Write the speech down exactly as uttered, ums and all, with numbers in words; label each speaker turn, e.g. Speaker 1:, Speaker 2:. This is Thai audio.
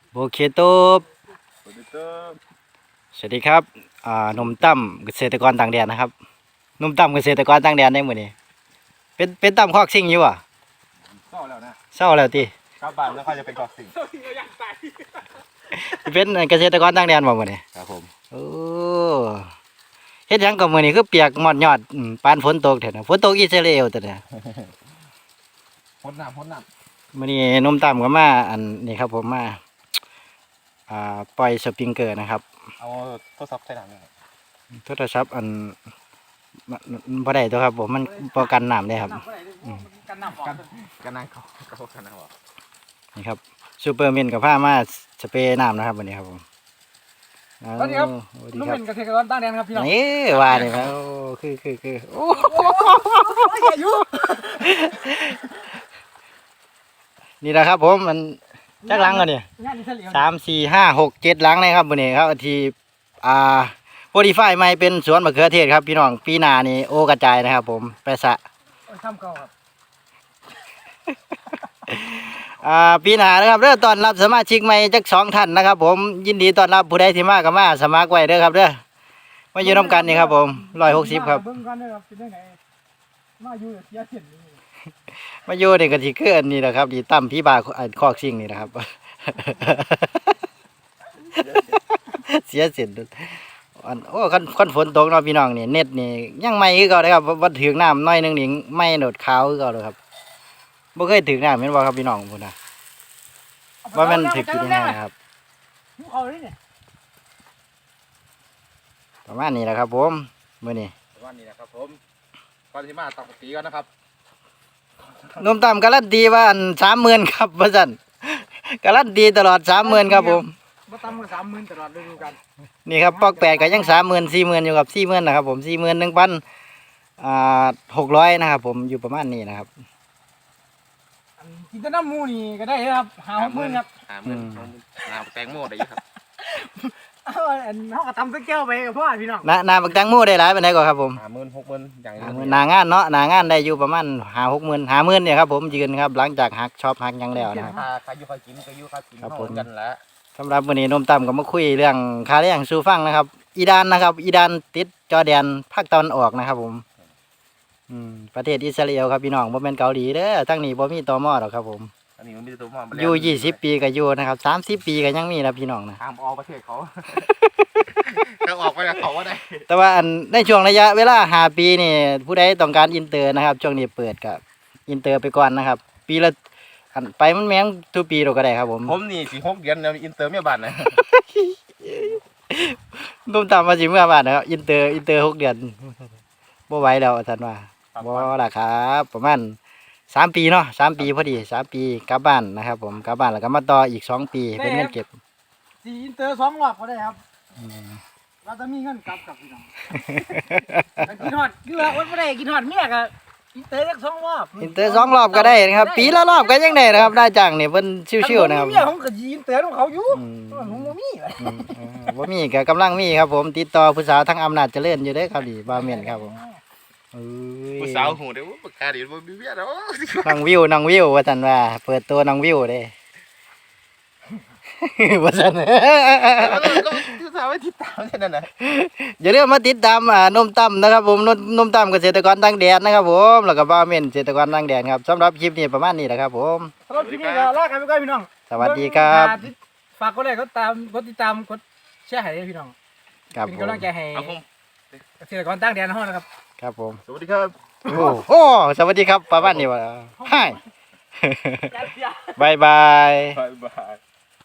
Speaker 1: โอเคตบสวัสดีครับสวัสดีครับอ่าหนุ่มตั้มเกษตรกรต่างแดนนะครับหนุ่มตั้มเกษตรกรต่างแดนได้หมดนี่เป็นเป็นตั้มคอกซิ่งอยู่อ่ะ
Speaker 2: เศร้าแล้วนะ
Speaker 1: เศร้าแล้วตี
Speaker 2: กลับบ้านแล้วเขาจะเป็นกอกสิ่ง
Speaker 1: เป็นเกษตรกรต่างแดนบ่หมดนี่
Speaker 2: ครับผม
Speaker 1: โอ้เฮ็ดหยังกับมื้อนี้คือเปียกหมอดยอดปานฝนตกแท้นะฝนตกอิสราเอลตัวเนี่ย
Speaker 2: พดน้ำพดน้
Speaker 1: ำมื้อนี้หนุ่มตั้มก็มาอันนี้ครับผมมาอ่าปล่อยสปริงเกอร์นะครับ
Speaker 2: เอาโทรศัพท์ใส่น้ำเลย
Speaker 1: โทรศัพท์อันบ่ได้ตัวครับผมมันป้องกันน้ำได้ครับ
Speaker 2: กันน้ำกันกันน้ำเขาเขากันน้ำออก
Speaker 1: นี่ครับซูเปอร์เมนกับผ้ามาสเปรย์น้ำนะครับวันนี้ครับผม
Speaker 3: สวัสดีครับนุ่มเป็นเกษตรกรต่างแดนครับพี่น้อง
Speaker 1: นี่ว่าเลยครับคือคือคือโอ้นี่แหละครับผมมันจักหลังกันเนี่ยสามสี่ห้าหกเจ็ดหลังเลยครับวันนี้ครับทีอ่าโพดีไฟไม่เป็นสวนมะเขือเทศครับพี่น้องปีนานี่โอกระจายนะครับผมไปสะ
Speaker 3: ทำเก่าครับ
Speaker 1: อ่าปีหน้านะครับเด้อตอนรับสมาชิกใหม่จักสองท่านนะครับผมยินดีต้อนรับผู้ใดที่มาก็มาสมัครไว้เด้อครับเด้อมาอยู่ร่วมกันนี่ครับผมร้อยหกสิบครับมาอยู่เสียเสียนมาอยู่ในกะทิเกลือนี่แหละครับดีตั้มพี่บาคอกซิ่งนี่แหละครับเสียเสียนอันโอ้คันคันฝนตกเนาะพี่น้องนี่เน็ตนี่ยังไม่คือเก่าเลยครับวัดถึงน้ำน้อยนึงนี่ไม่โดดขาวคือเก่าเลยครับบ่เคยถึงน้ำเห็นบ่ครับพี่น้องพุ่นนะว่ามันถึกอยู่ที่ไหนครับประมาณนี้แหละครับผมมื้อนี้
Speaker 2: ประมาณนี้นะครับผมก่อนที่มาตักตีกันนะครับ
Speaker 1: นมต่ำการันตีว่าอันสามหมื่นครับว่าซั่นการันตีตลอดสามหมื่นครับผม
Speaker 3: บ่ต่ำกว่าสามหมื่นตลอดฤดูกาล
Speaker 1: นี่ครับปอกแปดก็ยังสามหมื่นสี่หมื่นอยู่กับสี่หมื่นนะครับผมสี่หมื่นหนึ่งพันอ่าหกร้อยนะครับผมอยู่ประมาณนี้นะครับ
Speaker 3: กินแต่น้ำมูนี่ก็ได้ครับหาหกหมื่นครับ
Speaker 2: หาหมื่นน้ำแตงโมได้ครับ
Speaker 3: เอาอันเขาก็ทำสักแก้วไปกับพ่อพี่น้อง
Speaker 1: น้าน้าบักแตงโมได้หลายปานใดก่อนครับผม
Speaker 2: หาหมื่นหกหมื่นอย่าง
Speaker 1: นี้หน้างานเนาะหน้างานได้อยู่ประมาณหาหกหมื่นหาหมื่นเนี่ยครับผมยืนครับหลังจากหักช็อปหักยังแล้วนะครับ
Speaker 2: ใครอยู่ใครกินก็อยู่ใครกินครับผมกันแล้ว
Speaker 1: สำหรับวันนี้นมต่ำก็มาคุยเรื่องค่าแรงสู่ฟังนะครับอีดานนะครับอีดานติดจอร์แดนภาคตะวันออกนะครับผมอืมประเทศอิสราเอลครับพี่น้องบ่แม่นเกาหลีเด้อทั้งนี้บ่มีตม.หรอกครับผม
Speaker 2: อันนี้มันมีตัวมอ
Speaker 1: อยู่ยี่สิบปีก็อยู่นะครับสามสิบปีก็ยังมีนะพี่น้องนะ
Speaker 2: ทางออกประเทศเขาทางออกไปเขาว่าได้
Speaker 1: แต่ว่าอันในช่วงระยะเวลาห้าปีนี่ผู้ใดต้องการอินเตอร์นะครับช่วงนี้เปิดกับอินเตอร์ไปก่อนนะครับปีละอันไปมันแม่งทุกปีเราก็ได้ครับผม
Speaker 2: ผมนี่สี่หกเดือนแล้วอินเตอร์เมียบ้านนะ
Speaker 1: นุ่มตามมาสิเมื่อบ้านนะครับอินเตอร์อินเตอร์หกเดือนบ่ไหวแล้วท่านว่าบ่ล่ะครับประมาณสามปีเนาะสามปีพอดีสามปีกลับบ้านนะครับผมกลับบ้านแล้วก็มาต่ออีกสองปีเป็นเงินเก็บ
Speaker 3: สี่อินเตอร์สองรอบก็ได้ครับเราจะมีเงินกลับกับพี่น้องกินหอดเกลือวันไม่ได้กินหอดเมียกับอินเตอร์สองรอบ
Speaker 1: อินเตอร์สองรอบก็ได้นะครับปีละรอบก็ยังได้นะครับได้จังเนี่ยเพิ่นชิวๆนะครับ
Speaker 3: เมียผมก็ยินเตอร์ของเขาอยู่ผมบ่มี
Speaker 1: บ่มีก็กำลังมีครับผมติดต่อผู้สาวทั้งอำนาจเจริญอยู่เด้อครับดีบาเมนครับผม
Speaker 2: ผู้สาวหูเด้อปากกาดิบ่มีเมียเด้อ
Speaker 1: น้องวิวน้องวิวว่าซั่นว่าเปิดตัวน้องวิวเด้ว่าซั่น
Speaker 2: ก็สาวไว้ติดตามแค่นั้นน่ะ
Speaker 1: อย่าลืมมาติดตามอ่านมตั้มนะครับผมนมตั้มเกษตรกรต่างแดนนะครับผมแล้วก็บาเมนเกษตรกรต่างแดนครับสำหรับคลิปนี้ประมาณนี้แหละครับผม
Speaker 3: สำหรับคลิปนี้ก็ลากันไปก่อนพี่น้อง
Speaker 1: สวัสดีครับ
Speaker 3: ฝากกดไลค์กดตามกดติดตามกดแชร์ให้พี่น้องเป็นกำลังใจให้เกษตรกรต่างแดนเฮานะครับ
Speaker 1: ครับผม
Speaker 2: สวัสดีครับ
Speaker 1: โอ้โอ้สวัสดีครับประมาณนี้ว่าให้บายบาย
Speaker 2: บายบาย